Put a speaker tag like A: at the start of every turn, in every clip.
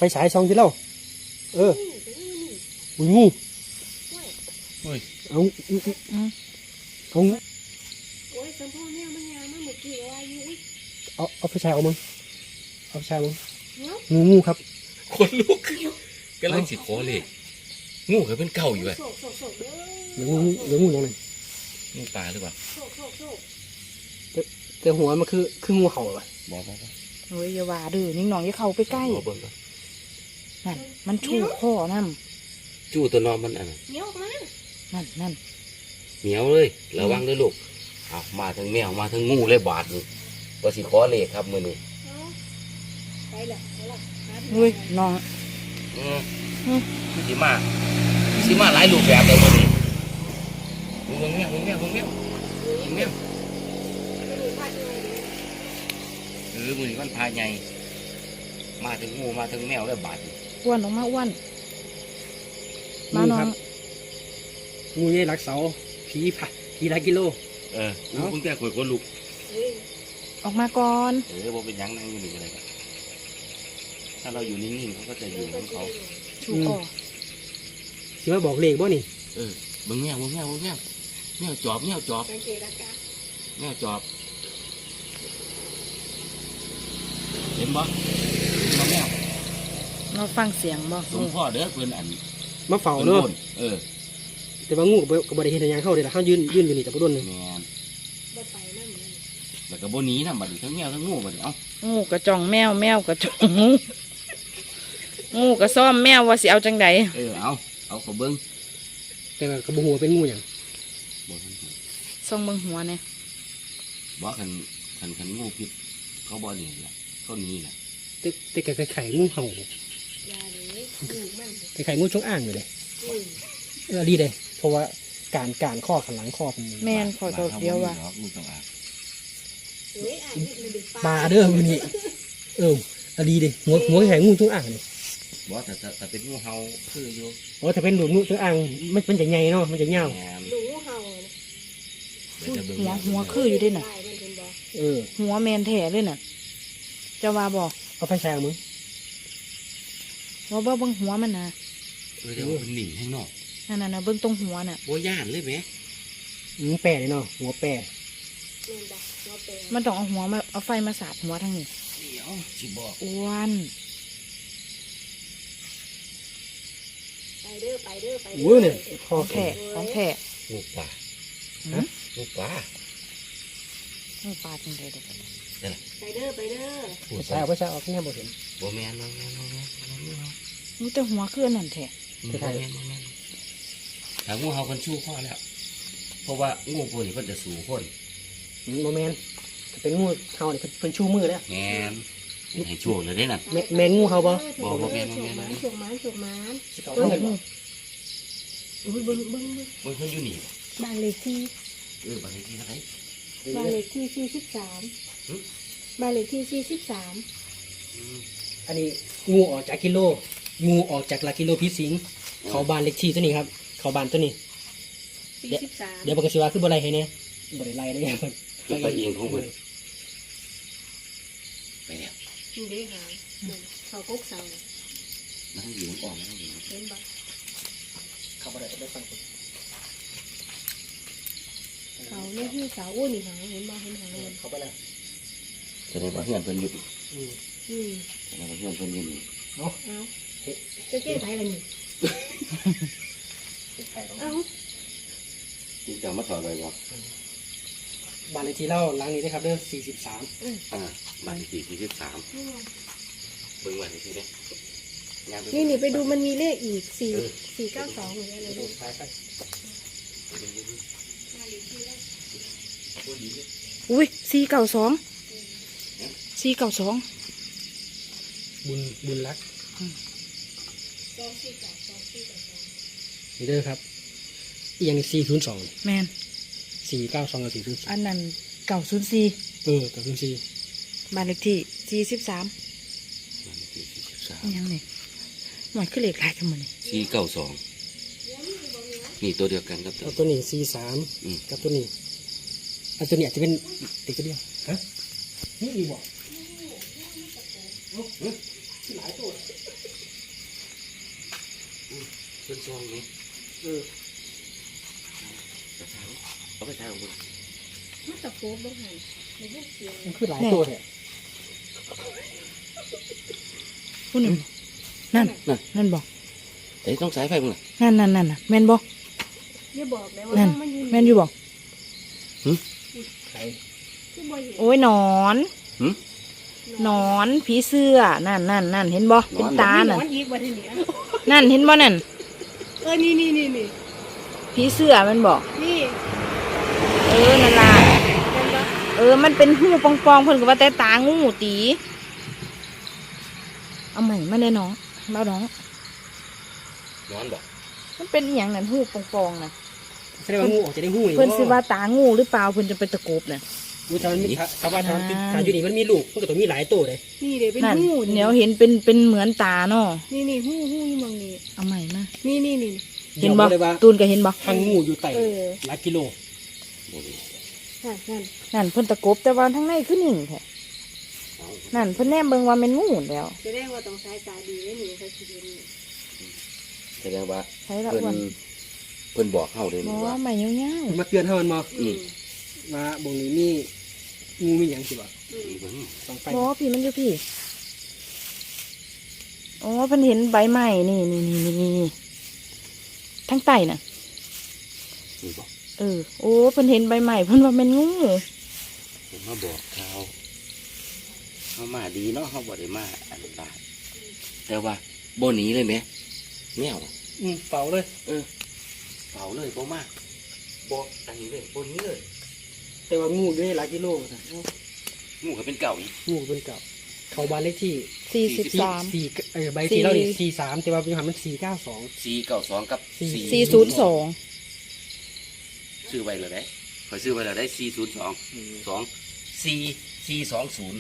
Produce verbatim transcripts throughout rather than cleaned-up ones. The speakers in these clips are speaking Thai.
A: ฉายซองที่เล่าเอออุ้ยงูเอาเอาโอ้ยสัมพ่อแม่มันยามาเมื่อกี้ว่าอยู่เอาเอาไฟฉายเอามึงเอาไฟฉายมึงงูงูครับ
B: คนลุกกำลังสิขอเลยงูเคยเป็นเก่าอยู่อ่ะ
A: เดี๋ยวงูเดี๋ยวงูยังไง
B: งูปลาหรือเปล่า
A: แต่หัวมันคือคืองูเห่าอ่ะ
B: บอกบอก
C: เฮ้ยอย่าว่าดื้อนิ่งหนองอย่าเข้าไปใกล้นั่นมันชูข้อนั่น
B: จู้ตัวนอนมันอันนั้น
C: นั่นนั่น
B: เหนียวเลยระวังด้วยลูกเอามาทั้งแมวมาทั้งงูเลยบาดนี่ว่าสิขอเลขครับมือนี้
C: ไปละไปละเฮ้ยน้อง
B: อืมสิมาสิมาหลายรูปแบบเลยมือนี้มึงแมวมึงแมวมึงแมวมึงแมวเออมือนี้มันพาใหญ่มาถึงงูมาถึงแมวแล้วบาด
C: อ้วนออกมาอ้วนมาน้อง
A: งูใหญ่รักเสาผีผัดผีหลายกิโล
B: เออเอาคุณแก่ข่อยคนลุก
C: ออกมาก่อน
B: เออบอกเป็นยังนั่งอยู่นี่อะไรกันถ้าเราอยู่นิ่งๆเขาก็จะอยู่ของเขา
C: ชูคอ
A: คิดว่าบอกเลขบ่นี่
B: เออบึงแมวบึงแมวบึงแมวแมวจอบแมวจอบแมวจอบเห็นบ่เห็นบ่แมว
C: เราฟังเสียงบ่
B: สมพ่อเด้อเพื่อนอัน
A: มาเฝ้าเนาะ
B: เออ
A: แต่ว่างูกับบริเห็นอย่างเข้าเลยนะเขายืนยืนอยู่นี่แต่บ่โดนเลย
B: แล้วก็บ่หนีนะบัดนี้ทั้งแมวทั้งงูบัดนี้เอ้า
C: งูกระจ่องแมวแมวกระจ่องงูงูกระซ่อมแมวว่าสิเอาจังได
B: เออเอาเอาขอเบิ้ง
A: แต่กระบุหัวเป็นงูอย่าง
C: ส่องเบิ้งหัวเนี่ย
B: บ่ขันขันขันงูพิษเขาบ่หนีแหละเขาหนีแหละ
A: แต่แต่ไข่ไข่งูเห่าไข่ไข่งูจงอ่างอยู่เลยเออดีเลยเพราะว่าการการข้อขันหลังข้อเป็น
C: แม่นขอตัวเดียวว่า
A: ปลาเด้อมันนี่เออดีเลยหัวหัวไข่งูจงอ่างเลย
B: บ่แต่แต่เป็นงูเห่าคืออยู่
A: โอ้ถ้าเป็นดูงูจงอ่างมันมันจะใหญ่เนาะมันจะเงา
C: ดูงูเห่าหัวหัวคืออยู่ด้วยน่ะ
A: เออ
C: หัวแมนแท้เลยน่ะจะว่าบอก
A: เอาไฟแชงมึง
C: ว่าเบิ้งหัวมันนะ
B: เออเดี๋ยวมันหนีให้นอก
C: นั่นน่ะเบิ้งตรงหัวน่ะ
B: โบย่านเลยไหม
A: อืมแปะเลยเนาะหัวแปะ
C: มันต้องเอาหัวมาเอาไฟมาสาดหัวทั้งนี้
B: เดี๋ยวสิบอก
C: อ้วน
A: ไปเด้อไปเด้อไปเด้อเนี่ย
C: ของแท้ของแท้
B: งูปลางูปลา
C: งูปลาจริงเลยเด็ก
A: ไปเด้อไปเด้อใช่เอาไปใช่เอาแค่บ่เห็น
B: บ่แม่นบ่แม่นบ่แม่น
C: งูแต่หัวคือนั่นแท้
B: บ่แม่นบ่แม่นถ้างูเห่าคนชู้พ่อแล้วเพราะว่างูพวกนี้มันจะสูงคน
A: บ่แม่นเป็นงูเห่าเนี่ยเป็นชู้มือแล้ว
B: แม่นให้ชู้เลยได้น่ะ
A: แม่นงูเห่าบ่
B: บ่บ่แม่นบ่แม่น
C: ฉกมันฉกมัน
A: เออ
C: อุ้ยเบิ้งเบิ้ง
B: เบิ้งเพิ่นอยู่นี่
C: บ้านเลขที่
B: เออบ้านเลขที่เท่าไหร่
C: บ้านเลขที่สี่สิบสามบ้านเลขที่สี่สิบสาม
A: อันนี้งูออกจากกิโลงูออกจากหลักกิโลพิสิงเขาบานเลขที่ตัวนี้ครับเขาบานตัวนี้เดี๋ยวบอกกันสิว่าคือบ่ไรให้เนี่ยบ่ได้ไรได้ยังเพิ่น
B: ไปเองของเพิ่นไปแล้ว
C: นี่ได้หาเขากุ๊กเสา
B: นั่งอยู่อ่อนนั่งอยู่
C: เห็นบ่
A: เขาบ่ได้ไปฟัง
C: เขาเนี่ยที่เสาอ้วนนี่หางเห็นบ่เห็นหางมัน
A: เขาไปแล้ว
B: แสดงว่าเพื่อนเพิ่นอยู่
C: อืมอืม
B: แสดงว่าเพื่อนเพิ่นอยู่นี่
A: เนาะ
C: เอาจะแก้ไขอะไรนี่เอา
B: ที่จะมาถอดอะไรวะ
A: บ้านเลขที่เล่าหลังนี้ได้ครับเด้อสี่สิบสาม
B: อ่าบ้านเลขที่สี่สิบสามเบิ่งบ้านเลขที่
C: เนี่ยนี่นี่ไปดูมันมีเลขอีกสี่สี่เก้าสองหรืออะไรดูอุ้ยสี่เก้าสองสี่เก้าสอง
A: บุญบุญรักนี่เด้อครับอีกอย่างนี้สี่ศูนย์สอง
C: แมน
A: สี่เก้าสองกับสี่ศูนย์
C: อันนั้นเก้าศูนย์สี่
A: เออเก้าศูนย์สี่
C: บ้านเลขที่สี่สิบสามยังไงหมายคือเลขหลายกันหมดเลย
B: สี่เก้าสองนี่ตัวเดียวกันครับ
A: ตัวนี้สี่สามกับตัวนี้อันตัวนี้อาจจะเป็นเด็กตัวเดียวฮะนี่ดีบ่หลายตัว
B: เป็นซองนี้
A: เออ
B: เอาไปทางบน
D: มันตะโกบลงหันในเรื่องเสียง
A: มันคือหลายตัวเนี่ย
C: พุ่นนั่นนั่นบอก
B: แต่ต้องสายไฟมึง
C: นั่นนั่นนั่นน่ะแม่นบอก
D: อย่าบอกเลยว่า
C: นั่น
D: มันอยู่
C: แม่นอยู่บอก
A: ไข่
D: คือบ่เห็น
C: โอ้ยหนอนหนอนผีเสื้อนั่นนั่นนั่นเห็นบ่เป็นตา
D: หน
C: น่ะ
D: อนอีกบ่ทีนี้
C: นั่นเห็นบ่นั่น
D: เออนี่นี่นี่นี่
C: ผีเสื้อมันบอก
D: นี่
C: เออนั่นล่ะ
D: เป็นปะ
C: เออมันเป็นหูปองๆเพิ่นก็ว่าแต่ตางูตีเอาใหม่มาเลยน้องเบาน้อง
B: นอนบ่
C: มันเป็นอหย่างนั้นหูปองๆน่ะ
A: แสดงว่างูออกจะได้หูอีก
C: เพิ่นสิว่าตางูหรือเปล่าเพิ่นจะเป็นตะกบน่ะ
A: งูทำมันมีชาวบ้านทำทำอยู่นี่มันมีลูกมันก็ต้องมีหลายตัวเลย
D: นี่เดี๋ยวเป็น
C: นั่น
D: หู
C: เดี๋ยวเห็นเป็นเป็นเหมือนตาเนาะ
D: นี่นี่หูหูอยู่มองนี่
C: เอาใหม่มา
D: นี่นี่นี่
C: เห็นบ่
A: เลยว่า
C: ตูนก็เห็นบ่
A: ทางงูอยู่ไต่
D: เออ
A: หลายกิโล
D: นั่นนั่น
C: นั่นเพิ่นตะกบแต่ว่าทั้งในคือนิ่งแท้นั่นเพิ่นแนมเบิ่งว่าแม่นงูแล้ว
D: แสดงว่าต้องสายตาดีเลยนี่เขาคิดเห็นนี่
B: แสดงว่า
C: ใช้ละ
B: เพิ่
C: อ้วน
B: นเพิ่นบอกเฮาเลย
C: บ่
B: นี่ว่า
C: ใหม่ยาว
A: มันมาเตือนเท่ามันมา
B: อืม
A: มาบงนี้มีงูมีอย่างสิบ่
D: อืม
B: อีเบิ่ง
A: ต้องไป
C: ๆบ่พี่มันอยู่พี่อ๋อเพิ่นเห็นใบไม้นี่นี่นี่นี่นี่ทั้งใต้น่ะ
B: นี่บอก
C: เออโอ้เพิ่นเห็นใบไม้เพิ่นว่าแม่นงู
B: เพิ่นมาบอกเขาเฮามาดีเนาะเฮาบ่ได้มาอันตรายแต่ว่าบ่หนีเลยแหมแมว
A: อืมเป่าเลย
B: เออเผาเลยบ่มาบ่อันนี้เลยบ่หนี้เลย
A: แต่ว่างูอยู่ในหลายกิโลนะ
B: งูก็เป็นเก่าอีก
A: งูเป็นเก่าเขาบ้านเลขที่
C: สี่สิบสาม
A: สี่เออใบที่เราเนี่ยสี่สามแต่ว่าเป็นหันมันสี่เก้าสอง
B: สี่เก้าสองกับ
A: สี่
C: สี่ศูนย์สอง
B: ซื้อไว้เลยได้คอยซื้อไว้เลยได้สี่ศูนย์สองสองสี่สี่สองศูนย์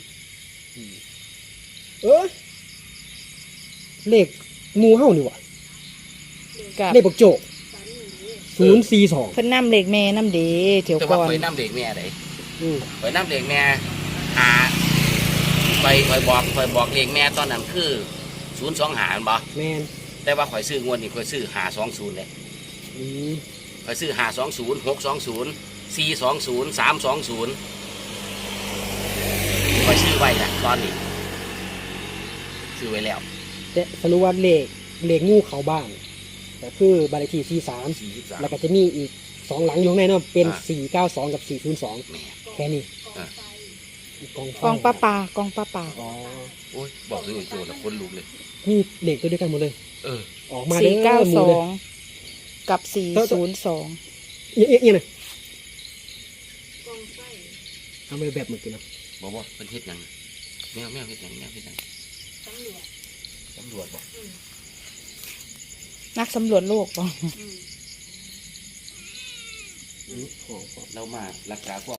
A: เออเลขงูเห่านี่หวะ
C: กับ
A: เลขบักโจกศูนย์สี่สอง
C: เพิ่นนำเหล็กแม่น้ำเดเถียว
B: แต่
C: ก่
B: ว่า
C: อน
B: คอยน้ำเด็กแม่ได
A: อืม
B: คอยน้ำเด็กแม่หาคอยคอยบอกคอยบอกเด็กแม่ตอนนั้นคือศูนย์สองหาบ่
A: แมน
B: แต่ว่าคอยซื้องวดนี่คอยซื้อหาสองศูนย์เลย
A: อืม
B: คอยซื้อหาสองศูนย์หกสองศูนย์สี่สองศูนย์สามสองศูนย์คอยซื้อไว้นะตอนนี้ซื้อไว้แล้ว
A: แต่สรุปว่าเลขเลขงูเขาบ้านก็คือบ้านเลขที่สี่สาม
B: สี่สิบสาม
A: แล้วก็จะมีอีกสองหลังอยู่ข้างในเนาะเป็น
B: อ่า
A: สี่เก้าสองกับสี่ศูนย์สอง
B: แม่
A: แค่นี้
B: อ่ะ
A: กองไฟ
C: กองปลาปลากองปลาปลา
A: อ๋อ
B: โอ้ยบอกถึงอีกตัวละคนลุกเลย
A: นี่เลขตัวเดียวกันหมดเลย
B: เออ
A: ออกมา
C: สี่เก้า
A: ห
C: ส
A: มู่
C: อ
A: เลย
C: งกับสี่ศูนย์สอง
A: เอี๊ยะเอี๊ยะเอี๊ยะเลย
D: กองไฟ
A: ทำไปแบบเหมือนกันเนาะ
B: บอกว่าเป็นเฮ็ดหยังแมวแมวเฮ็ดหยังแมวเฮ็ดหยัง
D: ตำรวจ
B: ตำรวจบอก
C: นักสำรวจโลกบ่
D: อืม
A: อืมของของ
B: เรามารักษาพวก